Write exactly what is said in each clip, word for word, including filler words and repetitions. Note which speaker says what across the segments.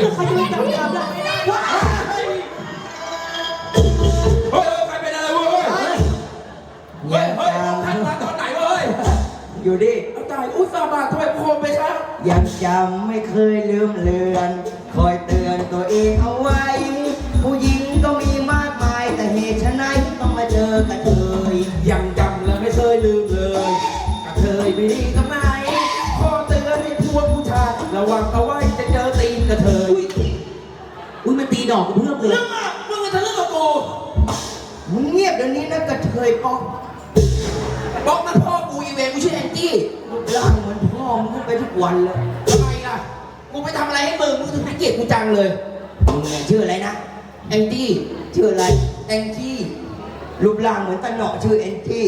Speaker 1: แล้วใครจะจับจับได้ว้าเฮ้ยใครเป็นอะไรเว้ยเฮ้ยเฮ้ยท่านมาตอนไหนเว้ยอยู่ดิตายอุตส่าห์มาทำไมโคมไปครับยังจำไม่เคยลืมเลือนคอยเตือนตัวเองเอาไว้ผู้หญิงก็มีมากมายแต่เหตุไฉนต้องมาเจอกันเลยยังจำและไม่เคยลืมเลยกระเทยไม่ดีตรงไหนขอเตือนให้พวกผู้ชายระวังเอาไว้จะเจอตีนกระเทยอุ้ยมันตีดอกกับเพื่อนเลยเรื่องอะมึงจะเรื่องกับกูมึงเงียบเดี๋ยวนี้นะกระเทยป๊อกป๊อกนั่นพ่อกูอีเวนกูชื่อแองจี้รูปร่างเหมือนพ่อมึงไปทุกวันเลยทำไมล่ะกูไปทำอะไรให้มึงมึงถึงให้เกียรติกูจังเลยมึงเนี่ยชื่ออะไรนะแองจี้ชื่ออะไรแองจี้รูปร่างเหมือนตะเหนาะชื่อแองจี้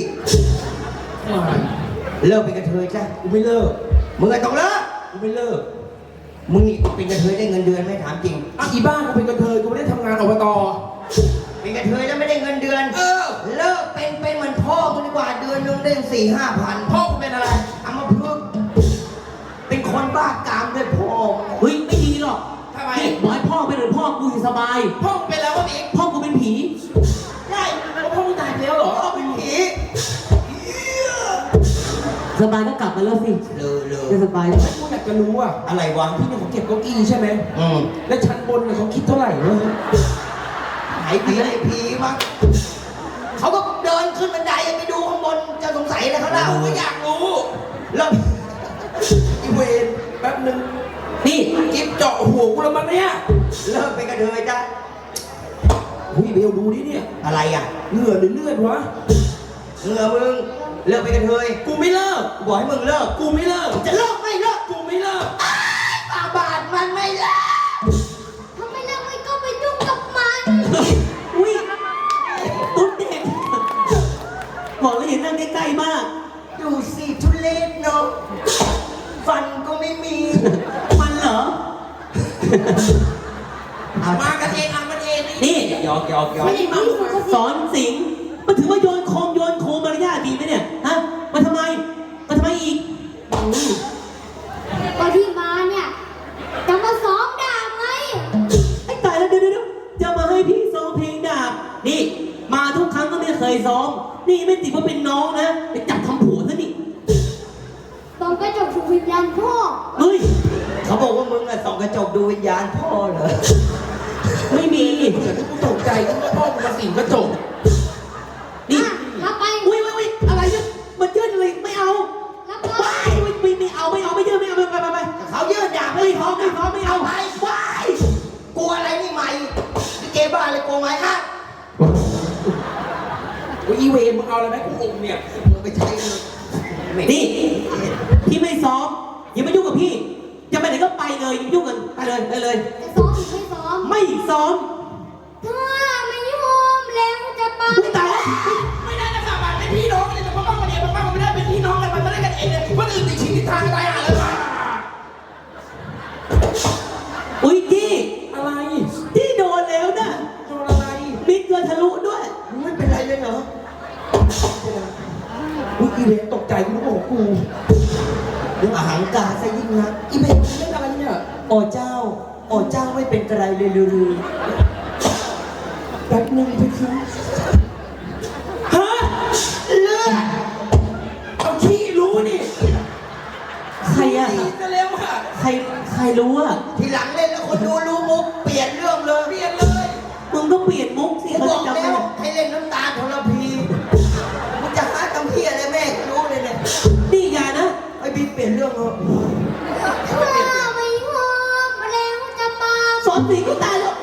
Speaker 1: เลิกเป็นกระเทยจ้ะกูไม่เลิกมึงไงต้องเลิกกูไม่เลิกมึงนี่เป็นกระเทยได้เงินเดือนไหมถามจริงอ่ะอีบ้านกูเป็นกระเทยกูไม่ได้ทำงานอบตเป็นกระเทยแล้วไม่ได้เงินเดือนเออเลิกเป็นเป็นเหมือนพ่อมึงดีกว่าเดือนนึงได้สี่ห้าพันพ่อกูเป็นอะไรอัมพฤกษ์เป็นคนบ้ากามด้วยพ่อเฮ้ยไม่ดีหรอกทำไมบอกให้พ่อเป็นเหมือนพ่อกูอยู่สบายพ่อกูเป็นแล้ววะพี่พ่อกูเป็นผีใช่แล้วพ่อมึงตายไปแล้วเหรอพ่อเป็นผีสบายก็กลับมาแล้วสิเลยเลยจะสบายแล้วกูอยากจะรู้อะอะไรวะที่นี่เขาเก็บเก้าอี้ใช่ไหมอืมแล้วชั้นบนเนี่ยเขาคิดเท่าไหร่วะหายผีไอ้ผีมั้งเขาก็เดินขึ้นบันไดไปดูข้างบนจะสงสัยอะไรเขาเล่าก็อยากรู้แล้วอีเวนแป๊บนึงนี่กิ๊บเจาะหัวกูแล้วมันเนี่ยเลิกไปกระเทยจ้ะหุ้ยเบลดูดิเนี่ยอะไรอ่ะเหงื่อหรือเลือดวะเหงื่อมึงเลิกไปกระเทยกูไม่เลิกกูบอกให้มึงเลิกกูไม่เลิกจะเลิกไม่เลิกกูไม่เลิกบาบาดมันไม่เลิก
Speaker 2: ทำไมเลิกไม่ก็ไปยุ่งกับมัน
Speaker 3: อุ้ยตุ๊ดเด็กบอกแล้วเห็นนั่งใกล้ๆมาก
Speaker 1: ดูสิทุเรศเนาะฟันก็ไม่มี
Speaker 3: มันเหรอ
Speaker 1: มากันเองอ่ะมันเอง
Speaker 3: นี่
Speaker 1: หยอกหยอกหยอก
Speaker 3: สอนสิงมันถือว่าโยนโคมโยนโคมมารยาทดีไหมเนี่ยฮะมาทำไมมาทำไมอีก
Speaker 2: ก็ที่มาเนี่ยจะมาซ้อมดาบไง
Speaker 3: ไอ้ตายแล้วเดี๋ยวเดี๋ยวจะมาให้พี่ซ้อมเพลงดาบนี่มาทุกครั้งก็ไม่เคยซ้อมนี่ไม่ติดว่าเป็นน้องนะไปจับทำผัวซะนี่
Speaker 2: ต้องกระจกดูวิญญาณพ่อ
Speaker 3: เฮ้ย
Speaker 1: เขาบอกว่ามึงอะส่องกระจกดูวิญญาณพ่อเหรอ
Speaker 3: ไม่มี
Speaker 1: กูตกใจกูว่าพ่อมึงมาสิงกระจก
Speaker 3: นี่
Speaker 2: รับไป
Speaker 3: อุ้ยอุ้ยอุ้ยอะไรเนี่ยมันยื่นอะไรไม่เอา
Speaker 2: รับไป
Speaker 3: ว้ายไม่ไม่เอาไม่เอาไม่ยื่นไม่เอาไปไปไป
Speaker 1: เขายื่นดาบ
Speaker 3: ไม่พร้อมไม่พร้อมไม่เอา
Speaker 1: ไปว้ายกลัวอะไรนี่ใหม่ที่เกบ้าอะไรกลัวไหมฮะโอ้ยอีเวนมึงเอาอะไรไหมกูอมเนี่ยมึงไปใช้เลย
Speaker 3: นี่พี่ไม่ซ้อมอย่ามายุ่งกับพี่จะไปไหนก็ไปเลยอย่ายุ่งกันไปเลยไปเลย
Speaker 2: จะซ้อมหรือไม่ซ้อม
Speaker 3: ไม่ซ้อม
Speaker 2: ถ้าไม่ยอมแล้วจะไป
Speaker 3: ไม่ตายแล้ว
Speaker 1: ไม่ได้นะค่ะมันเป็นพี่น้องกันเลยแต่พ่อมาเนี่ยพ่อมาไม่ได้เป็นพี่น้องกันมันไม่ได้กันเองเลยคนอื่นติดชีวิตทางตายห่าเลย
Speaker 3: อุ้ยจี้
Speaker 1: อะไร
Speaker 3: จี้โดนแล้วนะ
Speaker 1: โดนอะไร
Speaker 3: มิดเกินทะลุด้วย
Speaker 1: ไม่เป็นไรเลยเหรออุ้ยอีเวนตกใจกูรู้ของกูเรื่องอาหารกาซะยิ่งนะอีเวนเรื่องอะไรเนี่ยอ๋อเจ้าอ๋อเจ้าไม่เป็นไรเลยลือแป๊บนึงพี่คือฮะเลือดเอาขี้รู้นี่
Speaker 3: ใครอะ
Speaker 1: จะเร็วอะ
Speaker 3: ใครใครรู้อะ
Speaker 1: ทีหลังเล่นแล้วคนดูรู้มุกเปลี่ยนเรื่องเลยเปลี่ยนเลย
Speaker 3: มึงต้องเปลี่ยนมุกสิ
Speaker 1: เขาจะจำได้ให้เล่นน้ำตาทรพีมึงจะหาคำเพี้ยอะไรแม่รู้เลยเนี่ย
Speaker 3: นี่อย่านะ
Speaker 1: ไอ้บิ๊กเปลี่ยนเรื่องเหรอ
Speaker 2: ถ้าไม่ยอมแล้วจะมา
Speaker 3: สอนสิก็ตายแล้ว